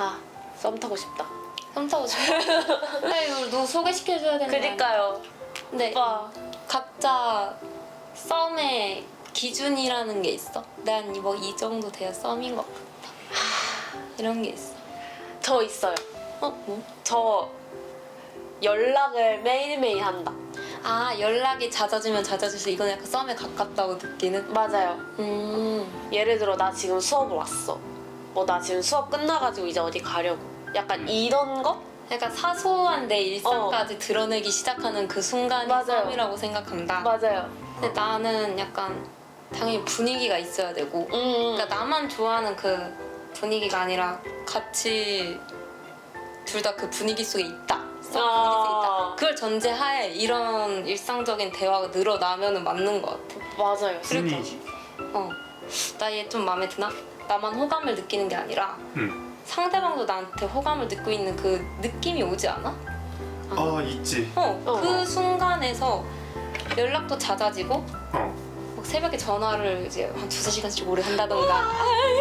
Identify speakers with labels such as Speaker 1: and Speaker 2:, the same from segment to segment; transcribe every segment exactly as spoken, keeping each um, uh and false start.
Speaker 1: 아, 썸 타고 싶다.
Speaker 2: 썸 타고 싶어. 아니 이걸 누구 소개시켜줘야 되는 거 아니야?
Speaker 1: 그니까요.
Speaker 2: 근데
Speaker 1: 오빠.
Speaker 2: 각자 썸의 기준이라는 게 있어. 난 뭐 이 정도 돼야 썸인 것 같다. 이런 게 있어.
Speaker 1: 저 있어요.
Speaker 2: 어? 뭐?
Speaker 1: 저 연락을 매일매일 한다.
Speaker 2: 아 연락이 잦아지면 잦아질수 이건 약간 썸에 가깝다고 느끼는?
Speaker 1: 맞아요.
Speaker 2: 음.
Speaker 1: 예를 들어 나 지금 수업을 왔어. 뭐 나 지금 수업 끝나가지고 이제 어디 가려고. 약간 이런 거?
Speaker 2: 약간 사소한 내 일상까지
Speaker 1: 어.
Speaker 2: 드러내기 시작하는 그 순간이
Speaker 1: 맞아요.
Speaker 2: 썸이라고 생각한다.
Speaker 1: 맞아요.
Speaker 2: 근데 나는 약간 당연히 분위기가 있어야 되고
Speaker 1: 음.
Speaker 2: 그러니까 나만 좋아하는 그 분위기가 아니라 같이 둘 다 그 분위기 속에 있다. 썸 분위기 속에
Speaker 1: 아.
Speaker 2: 있다. 그걸 전제하에 이런 일상적인 대화가 늘어나면은 맞는 것 같아.
Speaker 1: 맞아요.
Speaker 3: 분위기.
Speaker 2: 어, 나 얘 좀 마음에 드나? 나만 호감을 느끼는 게 아니라
Speaker 3: 응.
Speaker 2: 상대방도 나한테 호감을 느끼고 있는 그 느낌이 오지 않아?
Speaker 3: 아 있지.
Speaker 2: 어,
Speaker 1: 어.
Speaker 2: 그 순간에서 연락도 잦아지고
Speaker 3: 어.
Speaker 2: 막 새벽에 전화를 이제 한 두세 시간씩 오래 한다던가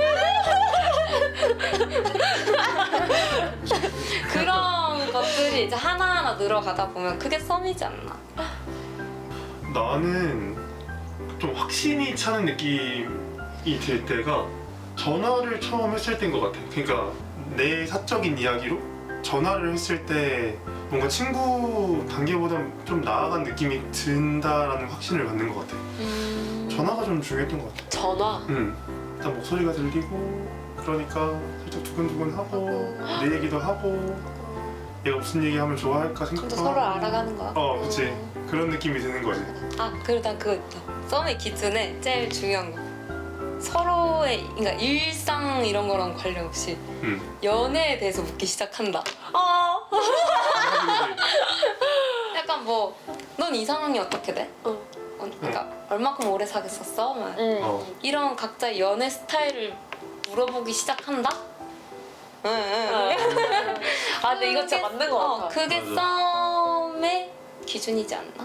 Speaker 2: 그런 것들이 이제 하나하나 늘어가다 보면 그게 썸이지 않나?
Speaker 3: 나는 좀 확신이 차는 느낌이 들 때가 전화를 처음 했을 때인 것 같아. 그러니까 내 사적인 이야기로 전화를 했을 때 뭔가 친구 단계보다 좀 나아간 느낌이 든다라는 확신을 갖는 것 같아.
Speaker 2: 음...
Speaker 3: 전화가 좀 중요했던 것 같아.
Speaker 1: 전화.
Speaker 3: 응. 일단 목소리가 들리고 그러니까 살짝 두근두근하고 내 얘기도 하고 얘가 무슨 얘기하면 좋아할까
Speaker 2: 좀
Speaker 3: 생각도
Speaker 2: 더 서로
Speaker 3: 하고.
Speaker 2: 알아가는 거야?
Speaker 3: 어, 그치.
Speaker 2: 음.
Speaker 3: 그런 느낌이 드는 거지.
Speaker 2: 아, 그리고 난 그거 있다. 썸의 기준에 제일 중요한 거. 서로의 그러니까 일상 이런 거랑 관련 없이
Speaker 3: 응.
Speaker 2: 연애에 대해서 묻기 시작한다.
Speaker 1: 어.
Speaker 2: 약간 뭐 넌 이상형이 어떻게 돼?
Speaker 1: 어.
Speaker 2: 어, 그러니까 얼마큼 오래 사귀었었어? 막
Speaker 1: 응.
Speaker 3: 어.
Speaker 2: 이런 각자의 연애 스타일을 물어보기 시작한다? 응, 응.
Speaker 1: 아, 근데 이거 진짜 맞는 것
Speaker 2: 어,
Speaker 1: 같아.
Speaker 2: 그게
Speaker 3: 맞아.
Speaker 2: 썸의 기준이지 않나?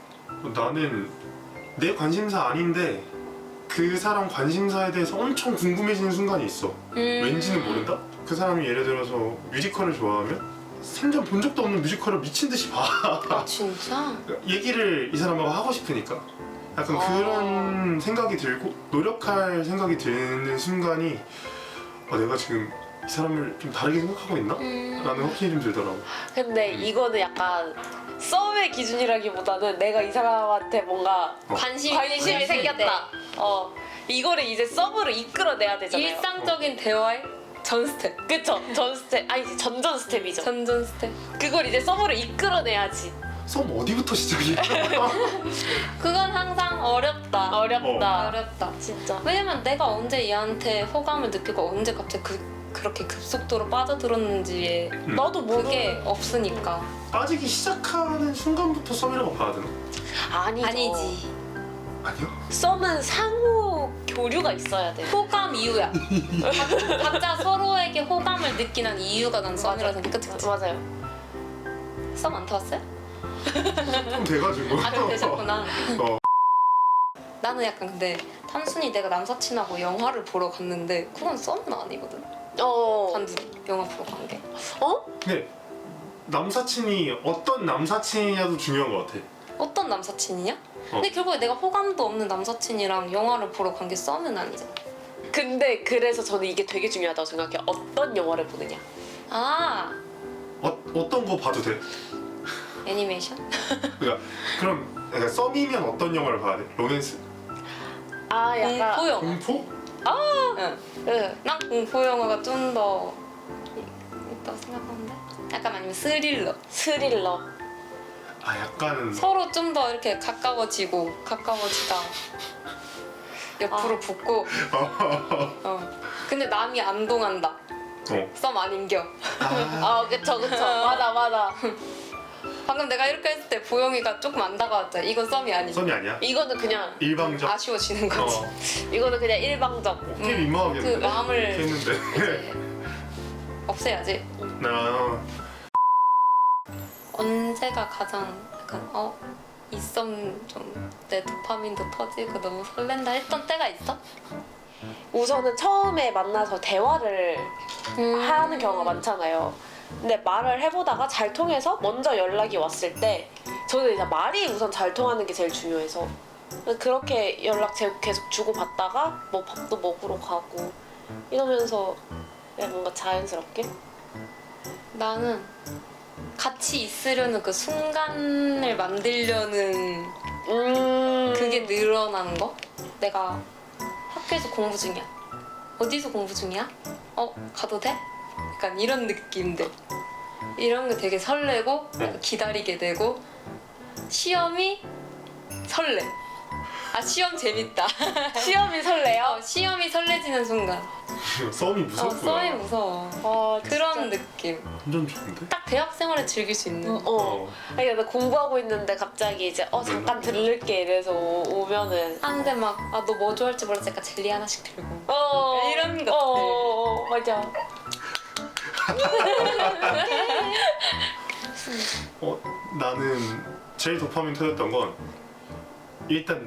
Speaker 3: 나는 내 관심사 아닌데 그 사람 관심사에 대해서 엄청 궁금해지는 순간이 있어.
Speaker 2: 음.
Speaker 3: 왠지는 모른다? 그 사람이 예를 들어서 뮤지컬을 좋아하면 생전 본 적도 없는 뮤지컬을 미친 듯이 봐.
Speaker 2: 아 진짜?
Speaker 3: 얘기를 이 사람하고 하고 싶으니까 약간
Speaker 2: 아.
Speaker 3: 그런 생각이 들고 노력할 생각이 드는 순간이 어, 내가 지금 이 사람을 좀 다르게 생각하고 있나?
Speaker 2: 음.
Speaker 3: 라는 확신이 좀 들더라고.
Speaker 1: 근데 이거는 약간 썸의 기준이라기보다는 내가 이 사람한테 뭔가
Speaker 3: 어.
Speaker 2: 관심이,
Speaker 1: 관심이
Speaker 2: 생길 때.
Speaker 1: 생겼다. 어. 이거를 이제 썸으로 이끌어내야 되잖아요.
Speaker 2: 일상적인 대화의 전 스텝.
Speaker 1: 그쵸? 전 스텝, 아니지, 전전 스텝이죠.
Speaker 2: 전전 스텝.
Speaker 1: 그걸 이제 썸으로 이끌어내야지.
Speaker 3: 썸 어디부터 시작이야?
Speaker 2: 그건 항상 어렵다.
Speaker 1: 어렵다.
Speaker 2: 어렵다.
Speaker 1: 진짜.
Speaker 2: 왜냐면 내가 언제 얘한테 호감을 느끼고 언제 갑자기 그, 그렇게 급속도로 빠져들었는지에
Speaker 3: 음.
Speaker 1: 나도 모르.
Speaker 2: 그게 없으니까.
Speaker 3: 빠지기 시작하는 순간부터 썸이라고 봐야 되나?
Speaker 1: 아니죠.
Speaker 2: 아니지.
Speaker 3: 아니요?
Speaker 1: 썸은 상호 교류가 있어야 돼.
Speaker 2: 호감 이유야. 각- 각자 서로에게 호감을 느끼는 이유가 난 썸이라 생각해. 그치 그치?
Speaker 1: 맞아요.
Speaker 2: 썸 안 타봤어요?
Speaker 3: 좀 돼가지고.
Speaker 2: 아 좀 되셨구나.
Speaker 3: 어.
Speaker 2: 나는 약간 근데 단순히 내가 남사친하고 영화를 보러 갔는데 그건 썸은 아니거든.
Speaker 1: 어.
Speaker 2: 단둘이 영화 보러 간 게.
Speaker 1: 어?
Speaker 3: 근데 남사친이 어떤 남사친이냐도 중요한 것 같아.
Speaker 2: 어떤 남사친이냐?
Speaker 3: 어.
Speaker 2: 근데 결국에 내가 호감도 없는 남사친이랑 영화를 보러 간 게 썸은 아니잖아.
Speaker 1: 근데 그래서 저는 이게 되게 중요하다고 생각해요. 어떤 영화를 보느냐.
Speaker 2: 아
Speaker 3: 어, 어떤 거 봐도 돼?
Speaker 2: 애니메이션?
Speaker 3: 그러니까 그럼 그러니까 썸이면 어떤 영화를 봐야 돼? 로맨스?
Speaker 1: 아, 약간.
Speaker 2: 공포 영화.
Speaker 3: 공포?
Speaker 2: 응.
Speaker 1: 응.
Speaker 2: 난 공포 영화가 좀 더 있다고 생각하는데. 약간 아니면 스릴러.
Speaker 1: 스릴러.
Speaker 3: 아 약간은
Speaker 2: 서로 좀 더 이렇게 가까워지고 가까워지다 옆으로
Speaker 1: 아.
Speaker 2: 붙고. 어. 근데 남이 안 동한다.
Speaker 3: 어.
Speaker 2: 썸 아닌겨.
Speaker 3: 아,
Speaker 1: 아, 그쵸, 그쵸. 맞아, 맞아.
Speaker 2: 방금 내가 이렇게 했을 때 보영이가 조금 안 다가왔잖아. 이건 썸이 아니지.
Speaker 3: 썸이 아니야?
Speaker 1: 이거는 그냥,
Speaker 3: 일방적.
Speaker 2: 아쉬워지는 거지.
Speaker 3: 어.
Speaker 1: 이거는 그냥 일방적.
Speaker 3: 꽤
Speaker 2: 그
Speaker 3: 민망하겠는데?
Speaker 2: 마음을
Speaker 3: 했는데.
Speaker 2: 이제 없애야지.
Speaker 3: 나
Speaker 2: 언제가 가장 약간 어? 이 썸 좀 내 도파민도 터지고 너무 설렌다 했던 때가 있어?
Speaker 1: 우선은 처음에 만나서 대화를
Speaker 2: 음.
Speaker 1: 하는 경우가 많잖아요. 근데 말을 해보다가 잘 통해서 먼저 연락이 왔을 때 저는 이제 말이 우선 잘 통하는 게 제일 중요해서 그렇게 연락 제- 계속 주고받다가 뭐 밥도 먹으러 가고 이러면서 그냥 뭔가 자연스럽게
Speaker 2: 나는 같이 있으려는 그 순간을 만들려는
Speaker 1: 음
Speaker 2: 그게 늘어나는 거? 내가 학교에서 공부 중이야. 어디서 공부 중이야? 어, 가도 돼? 약간 이런 느낌들. 이런 게 되게 설레고
Speaker 3: 네.
Speaker 2: 기다리게 되고 시험이 설레. 아, 시험 재밌다.
Speaker 1: 시험이 설레요?
Speaker 2: 어, 시험이 설레지는 순간.
Speaker 3: 썸이
Speaker 2: 어,
Speaker 3: 무섭구나.
Speaker 2: 썸이 무서워.
Speaker 1: 아,
Speaker 2: 그런 느낌.
Speaker 3: 완전 좋은데?
Speaker 2: 딱 대학 생활을 즐길 수 있는.
Speaker 1: 어. 아니 나 공부하고 있는데 갑자기 이제 어 잠깐 들를게 이래서 오- 오면은
Speaker 2: 아, 근데 막, 아, 너 뭐 좋아할지 몰랐으니까 젤리 하나씩 들고.
Speaker 1: 어
Speaker 2: 이런 것들.
Speaker 1: 어, 어, 어, 맞아.
Speaker 3: 어, 나는 제일 도파민 터졌던 건 일단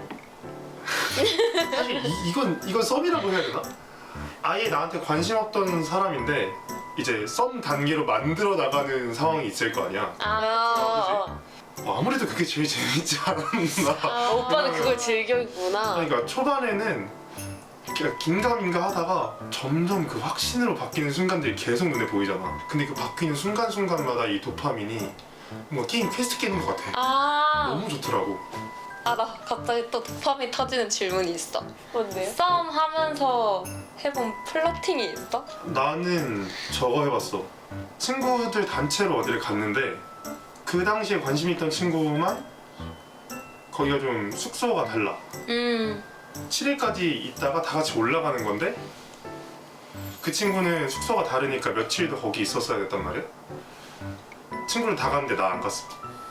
Speaker 3: 사실 이, 이건 이건 썸이라고 해야 되나? 아예 나한테 관심 없던 사람인데 이제 썸 단계로 만들어 나가는 상황이 있을 거 아니야.
Speaker 1: 아,
Speaker 3: 어, 아무래도 그게 제일 재밌지 않았나.
Speaker 1: 아, 오빠는 그걸 즐겼구나.
Speaker 3: 그러니까 초반에는 그냥 긴가민가 하다가 점점 그 확신으로 바뀌는 순간들이 계속 눈에 보이잖아. 근데 그 바뀌는 순간순간마다 이 도파민이 뭔가 게임 퀘스트 깨는 것 같아.
Speaker 2: 아,
Speaker 3: 너무 좋더라고.
Speaker 2: 아, 나 갑자기 또 도파민 터지는 질문이 있어.
Speaker 1: 뭔데요?
Speaker 2: 싸움 하면서 해본 플러팅이 있어?
Speaker 3: 나는 저거 해봤어. 친구들 단체로 어디를 갔는데 그 당시에 관심 있던 친구만 거기가 좀 숙소가 달라.
Speaker 2: 음.
Speaker 3: 칠 일까지 있다가 다 같이 올라가는 건데 그 친구는 숙소가 다르니까 며칠 더 거기 있었어야 됐단 말이야. 친구를 다 갔는데 나 안 갔어.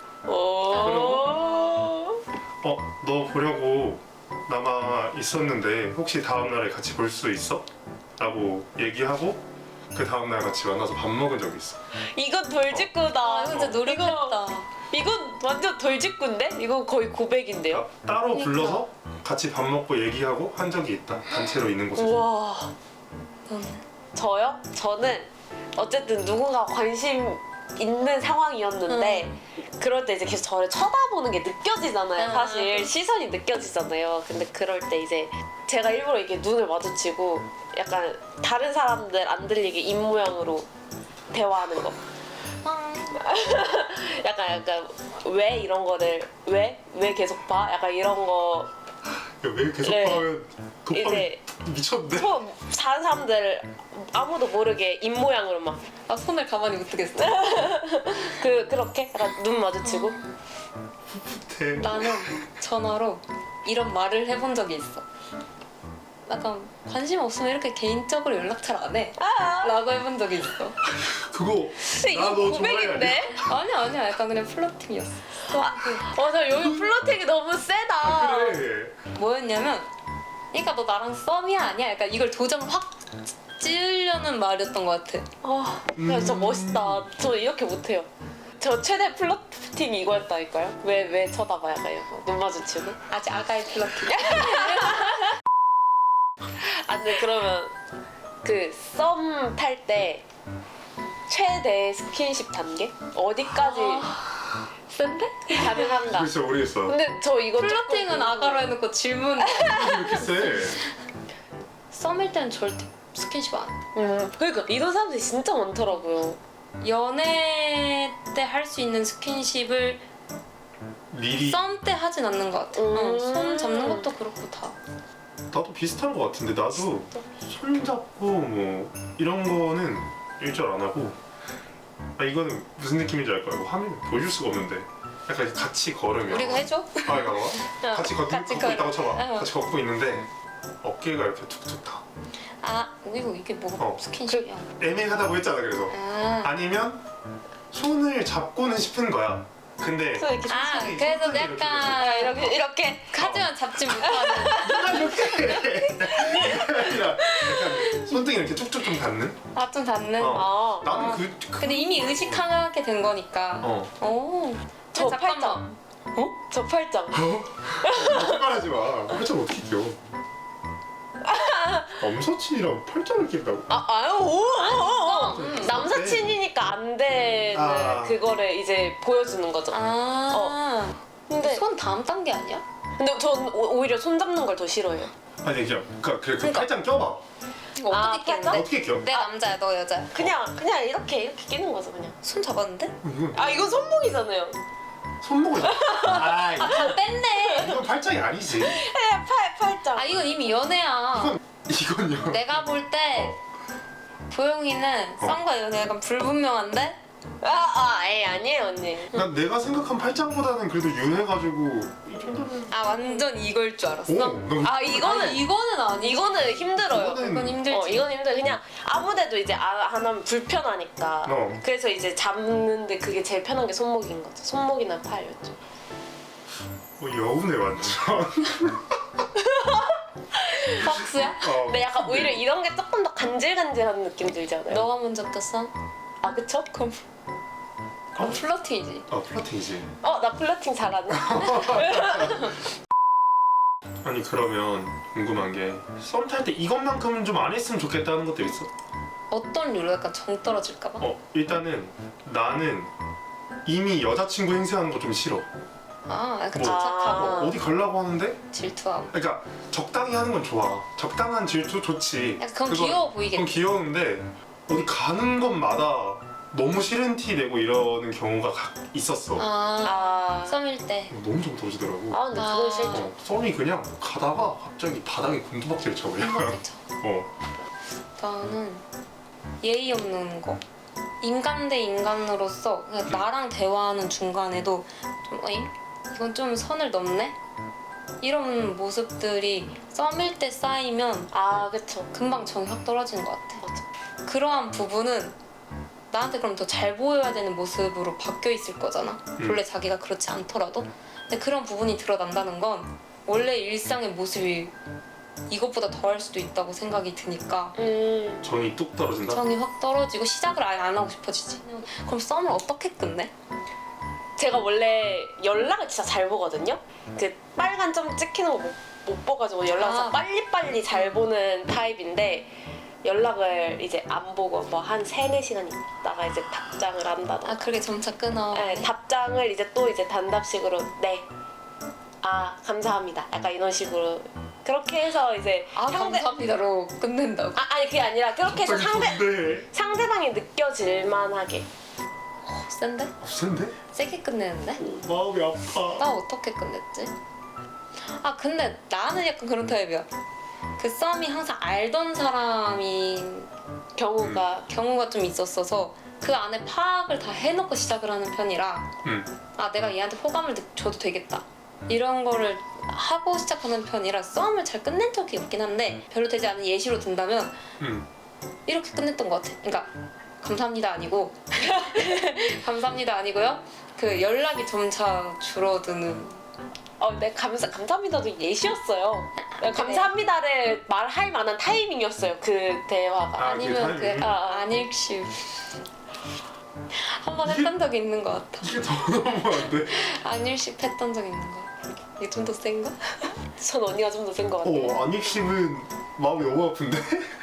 Speaker 1: 오.
Speaker 3: 어, 너 보려고 남아 있었는데 혹시 다음날에 같이 볼 수 있어? 라고 얘기하고 그 다음날 같이 만나서 밥 먹은 적이 있어.
Speaker 1: 이건 돌직구다.
Speaker 2: 아, 진짜 노력했다.
Speaker 1: 이건 완전 돌직구인데? 이건 거의 고백인데요?
Speaker 3: 그러니까 따로
Speaker 2: 그러니까.
Speaker 3: 불러서 같이 밥 먹고 얘기하고 한 적이 있다. 단체로 있는 곳에서.
Speaker 1: 우와.
Speaker 2: 너는?
Speaker 1: 저요? 저는 어쨌든 누군가 관심 있는 상황이었는데 그럴 때 이제 계속 저를 쳐다보는 게 느껴지잖아요.
Speaker 2: 음.
Speaker 1: 사실 시선이 느껴지잖아요. 근데 그럴 때 이제 제가 일부러 이렇게 눈을 마주치고 약간 다른 사람들 안 들리게 입 모양으로 대화하는 거.
Speaker 2: 아,
Speaker 1: 약간 약간 왜 이런 거를 왜? 왜 계속 봐? 약간 이런 거
Speaker 3: 야, 왜 계속
Speaker 1: 네.
Speaker 3: 봐면 도파민
Speaker 1: 이제
Speaker 3: 미쳤는데?
Speaker 1: 처음 다른 사람들 아무도 모르게 입 모양으로 막
Speaker 2: 아, 손을 가만히 못 뜨겠어.
Speaker 1: 그 그렇게 약간 눈 마주치고
Speaker 3: 대-
Speaker 2: 나는 전화로 이런 말을 해본 적이 있어. 약간 관심 없으면 이렇게 개인적으로 연락 잘 안 해. 라고 해본 적이 있어.
Speaker 3: 그거
Speaker 1: 근데 이거
Speaker 3: 나 너 좋아해,
Speaker 1: 고백인데?
Speaker 2: 아니야, 아니야. 약간 그냥 플러팅이었어.
Speaker 1: 맞아 여기 플러팅이 너무 세다.
Speaker 3: 아, 그래.
Speaker 2: 뭐였냐면, 그러니까 너 나랑 썸이야 아니야? 약간 이걸 도장을 확 찌으려는 말이었던 것 같아.
Speaker 1: 아, 야, 진짜
Speaker 3: 음.
Speaker 1: 멋있다. 저 이렇게 못해요. 저 최대 플러팅 이거였다니까요. 왜 왜 쳐다봐 약간 이거 눈 마주치고.
Speaker 2: 아직 아가의 플러팅.
Speaker 1: 아 근데 그러면 그 썸 탈 때 최대 스킨십 단계 어디까지
Speaker 2: 센데?
Speaker 1: 가능한가?
Speaker 3: 글쎄 모르겠어.
Speaker 1: 근데 저 이거
Speaker 2: 플러팅은
Speaker 1: 조금
Speaker 2: 아가로 해놓고 질문.
Speaker 3: 이렇게 세.
Speaker 2: 썸일 때는 절대 스킨십 안 해.
Speaker 1: 음, 그러니까 이런 사람들이 진짜 많더라고요.
Speaker 2: 연애 때 할 수 있는 스킨십을
Speaker 3: 미리
Speaker 2: 썸 때 하진 않는 것 같아.
Speaker 1: 음.
Speaker 2: 어, 손 잡는 것도 그렇고 다.
Speaker 3: 나도 비슷한 것 같은데 나도 손 잡고 뭐 이런 거는 일절 안 하고 아 이거는 무슨 느낌인지 알 거야. 뭐 화면에 보여줄 수가 없는데 약간 같이 걸으면
Speaker 2: 우리가 해줘?
Speaker 3: 아 이거 봐. 같이 걷,
Speaker 2: 같이
Speaker 3: 걷고
Speaker 2: 걸어.
Speaker 3: 있다고 쳐봐.
Speaker 2: 어.
Speaker 3: 같이 걷고 있는데 어깨가 이렇게 툭툭 타.
Speaker 2: 아, 이거 이게 뭐가
Speaker 3: 어.
Speaker 2: 스킨십이야?
Speaker 3: 애매하다고 했잖아. 그래서
Speaker 2: 아,
Speaker 3: 아니면 손을 잡고는 싶은 거야. 근데
Speaker 1: 그래서 이렇게
Speaker 2: 아
Speaker 3: 손이
Speaker 2: 그래서
Speaker 3: 손등이 이렇게
Speaker 2: 약간
Speaker 1: 이렇게 이렇게
Speaker 2: 하지만 잡지 못하는.
Speaker 3: 누가 이렇게 이게 아니라 약간 손등이 이렇게 쭉쭉 좀 닿는?
Speaker 2: 아, 좀 닿는.
Speaker 3: 어.
Speaker 1: 아,
Speaker 3: 나는
Speaker 2: 아.
Speaker 3: 그, 그
Speaker 2: 근데 이미 의식하게 된 거니까.
Speaker 3: 어.
Speaker 2: 오.
Speaker 1: 저
Speaker 2: 잠깐만.
Speaker 1: 팔짱. 어? 저 팔짱.
Speaker 3: 어? 거짓말하지 마. 그렇죠 어떻게 껴? 남사친이랑 팔짱을 낀다고?
Speaker 1: 아 아유 오, 오, 오.
Speaker 2: 음.
Speaker 1: 남사친이니까 안 되는
Speaker 3: 아.
Speaker 1: 그거를 이제 보여주는 거죠.
Speaker 2: 아
Speaker 1: 근데
Speaker 2: 손 다음 단계 아니야?
Speaker 1: 근데 전 오- 오히려 손 잡는 걸 더 싫어해요.
Speaker 3: 아니 그냥 그러니까 그래 그
Speaker 2: 그러니까.
Speaker 3: 팔짱 껴봐.
Speaker 2: 이거
Speaker 1: 아,
Speaker 2: 어떻게 끼는데?
Speaker 1: 팔짱?
Speaker 3: 어떻게 껴?
Speaker 2: 내 남자야 너 여자야.
Speaker 1: 그냥 그냥 이렇게 이렇게 끼는 거죠 그냥.
Speaker 2: 손 잡았는데?
Speaker 3: 이건
Speaker 1: 아 이건 손목이잖아요.
Speaker 3: 손목을. 아
Speaker 2: 다 뺐네.
Speaker 3: 이건 팔짱이 아니지.
Speaker 1: 네, 팔 팔짱.
Speaker 2: 아 이건 이미 연애야.
Speaker 3: 이건 이건요.
Speaker 2: 내가 볼 때 보영이는
Speaker 3: 어.
Speaker 2: 썸과 연애 약간 불분명한데?
Speaker 1: 아아 에이 아니에요 언니.
Speaker 3: 난 내가 생각한 팔짱보다는 그래도 유해가지고 이 정도는.
Speaker 2: 아 완전 이걸 줄 알았어?
Speaker 3: 오, 너무
Speaker 1: 아
Speaker 2: 아니,
Speaker 1: 이거는
Speaker 2: 이거는 아니.
Speaker 1: 이거는 힘들어요.
Speaker 3: 이거는-
Speaker 2: 이건 힘들지.
Speaker 1: 어 이건 힘들. 그냥 아무데도 이제 안 하면 불편하니까.
Speaker 3: 어.
Speaker 1: 그래서 이제 잡는데 그게 제일 편한 게 손목인 거죠. 손목이나 팔이었죠.
Speaker 3: 뭐 여우네 완전.
Speaker 2: 박스야?
Speaker 3: 어.
Speaker 1: 근데 약간 오히려 이런 게 조금 더 간질간질한 느낌 들잖아요.
Speaker 2: 너가 먼저 꼈어?
Speaker 1: 아 그쵸?
Speaker 2: 그럼 그럼 플러팅이지.
Speaker 3: 아 플러팅이지.
Speaker 1: 어 나 플러팅 잘하네.
Speaker 3: 아니 그러면 궁금한 게 썸 탈 때 이것만큼은 좀 안 했으면 좋겠다는 것도 있어?
Speaker 2: 어떤 류로 약간 정 떨어질까봐?
Speaker 3: 어 일단은 나는 이미 여자친구 행세하는 거 좀 싫어.
Speaker 2: 아 약간
Speaker 3: 뭐.
Speaker 2: 집착하고
Speaker 1: 아.
Speaker 3: 어디 가려고 하는데
Speaker 2: 질투하고.
Speaker 3: 그러니까 적당히 하는 건 좋아. 적당한 질투 좋지.
Speaker 2: 약간 그건
Speaker 3: 그건-
Speaker 2: 귀여워
Speaker 3: 그건
Speaker 2: 보이겠다.
Speaker 3: 귀여운데 어디 가는 것마다 너무 싫은 티 내고 이러는 경우가 가- 있었어.
Speaker 2: 아
Speaker 1: 아,
Speaker 2: 썸일 때.
Speaker 3: 너무 좀 도지더라고.
Speaker 1: 아 근데 그건
Speaker 2: 아.
Speaker 1: 싫죠.
Speaker 3: 어, 썸이 그냥 가다가 갑자기 바닥에 곤두박질 쳐 그냥.
Speaker 2: 행복했죠.
Speaker 3: 어.
Speaker 2: 나는 예의 없는 거. 인간 대 인간으로서 그냥 나랑 대화하는 중간에도 좀 어잉? 이건 좀 선을 넘네? 이런 모습들이 썸일 때 쌓이면
Speaker 1: 아 그쵸.
Speaker 2: 금방 정이 확 떨어지는 것 같아.
Speaker 1: 맞아.
Speaker 2: 그러한 부분은 나한테 그럼 더 잘 보여야 되는 모습으로 바뀌어 있을 거잖아.
Speaker 3: 음.
Speaker 2: 원래 자기가 그렇지 않더라도. 근데 그런 부분이 드러난다는 건 원래 일상의 모습이 이것보다 더할 수도 있다고 생각이 드니까
Speaker 1: 음
Speaker 3: 정이 뚝 떨어진다.
Speaker 2: 정이 확 떨어지고 시작을 아예 안 하고 싶어지지. 그럼 썸을 어떻게 끝내?
Speaker 1: 제가 원래 연락을 진짜 잘 보거든요. 그 빨간 점 찍히는 거 못 못 봐가지고 연락을
Speaker 2: 아.
Speaker 1: 빨리빨리 잘 보는 타입인데 연락을 이제 안 보고 뭐 한 세네 시간 있다가 이제 답장을 한다던가.
Speaker 2: 아 그게 점차 끊어.
Speaker 1: 네, 답장을 이제 또 이제 단답식으로 네. 아 감사합니다. 약간 이런 식으로 그렇게 해서 이제
Speaker 2: 아 감사합니다로 끝낸다고.
Speaker 1: 아 아니 그게 아니라 그렇게 해서 상대
Speaker 3: 좋은데.
Speaker 1: 상대방이 느껴질 만하게.
Speaker 2: 어, 센데?
Speaker 3: 어, 센데?
Speaker 2: 세게 끝내는데?
Speaker 3: 마음이 아파.
Speaker 2: 나 어떻게 끝냈지? 아 근데 나는 약간 그런 타입이야. 그 썸이 항상 알던 사람인
Speaker 1: 경우가
Speaker 2: 경우가 좀 있었어서 그 안에 파악을 다 해놓고 시작을 하는 편이라
Speaker 3: 응.
Speaker 2: 아 내가 얘한테 호감을 느- 줘도 되겠다 이런 거를 하고 시작하는 편이라 썸을 잘 끝낸 적이 없긴 한데 별로 되지 않은 예시로 든다면
Speaker 3: 응.
Speaker 2: 이렇게 끝냈던 것 같아. 그러니까 감사합니다 아니고 감사합니다 아니고요. 그 연락이 점차 줄어드는.
Speaker 1: 어, 네 감사 감사합니다도 예시였어요. 네, 감사합니다를 말할 만한 타이밍이었어요. 그 대화가.
Speaker 3: 아,
Speaker 2: 아니면
Speaker 3: 그
Speaker 2: 그
Speaker 3: 타이밍?
Speaker 1: 아, 아.
Speaker 2: 안읽시 한 번
Speaker 3: 이게-
Speaker 2: 했던 적이 있는 것 같아.
Speaker 3: 이게 더 넘어가는데?
Speaker 2: 안읽시 했던 적 있는 것 같아. 이게 좀 더 센가?
Speaker 1: 전 언니가 좀 더 센 것 같아요.
Speaker 3: 어, 안익심은 마음이 너무 아픈데?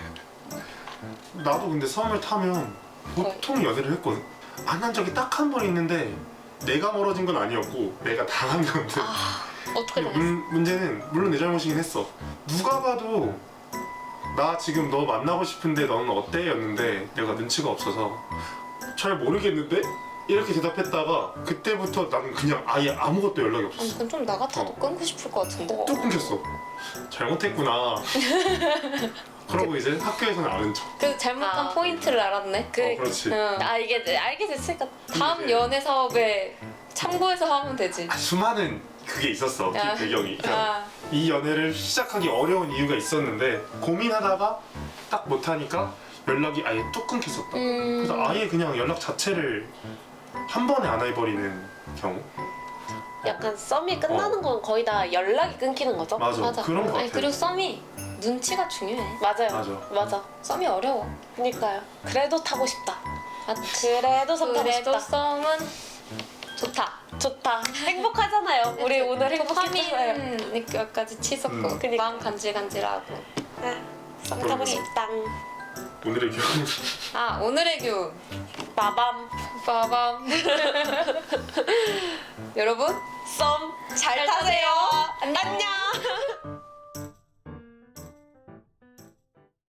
Speaker 3: 나도 근데 썸을 타면 보통 연애를 했거든. 안 한 적이 딱 한 번 있는데 내가 멀어진 건 아니었고 내가 당한 건데.
Speaker 2: 아 어떻게
Speaker 3: 근데
Speaker 2: 당했어?
Speaker 3: 문, 문제는 물론 내 잘못이긴 했어. 누가 봐도 나 지금 너 만나고 싶은데 너는 어때? 였는데 내가 눈치가 없어서 잘 모르겠는데? 이렇게 대답했다가 그때부터 나는 그냥 아예 아무것도 연락이
Speaker 2: 아니
Speaker 3: 없었어.
Speaker 2: 그건 좀 나 같아도
Speaker 3: 어.
Speaker 2: 끊고 싶을 것 같은데.
Speaker 1: 어.
Speaker 3: 뚝 끊겼어. 잘못했구나. 그러고 이제 학교에서는 아는 척.
Speaker 2: 그 잘못한
Speaker 1: 아.
Speaker 2: 포인트를 알았네.
Speaker 1: 그,
Speaker 3: 어, 그렇지.
Speaker 2: 응.
Speaker 1: 아 이게 알게 됐으니까
Speaker 2: 다음 연애 사업에 참고해서 하면 되지.
Speaker 3: 아, 수많은 그게 있었어. 그
Speaker 2: 아.
Speaker 3: 배경이. 그냥
Speaker 2: 아,
Speaker 3: 이 연애를 시작하기 어려운 이유가 있었는데 고민하다가 딱 못하니까 연락이 아예 뚝 끊겼었다.
Speaker 2: 음.
Speaker 3: 그래서 아예 그냥 연락 자체를 한 번에 안 해버리는 경우.
Speaker 1: 약간 썸이 끝나는 건 거의 다 연락이 끊기는 거죠.
Speaker 3: 맞아.
Speaker 2: 맞아.
Speaker 3: 그런 거
Speaker 2: 아니
Speaker 3: 같아.
Speaker 2: 그리고 썸이 눈치가 중요해.
Speaker 1: 맞아요.
Speaker 3: 맞아.
Speaker 1: 맞아.
Speaker 2: 썸이 어려워.
Speaker 1: 그니까요. 그래도 타고 싶다.
Speaker 2: 아,
Speaker 1: 그래도 썸 타고
Speaker 2: 그래도
Speaker 1: 싶다.
Speaker 2: 썸은 좋다.
Speaker 1: 좋다. 행복하잖아요. 우리 오늘 행복했잖아요.
Speaker 2: 도파민 느낌까지 치솟고
Speaker 3: 음.
Speaker 1: 그니까.
Speaker 2: 마음 간질간질하고.
Speaker 1: 네. 썸 타고
Speaker 3: 그럼요.
Speaker 1: 싶다.
Speaker 3: 오늘의 교훈.
Speaker 2: 아 오늘의 교훈.
Speaker 1: 빠밤.
Speaker 2: 빠밤. 여러분
Speaker 1: 썸 잘 타세요. 안녕.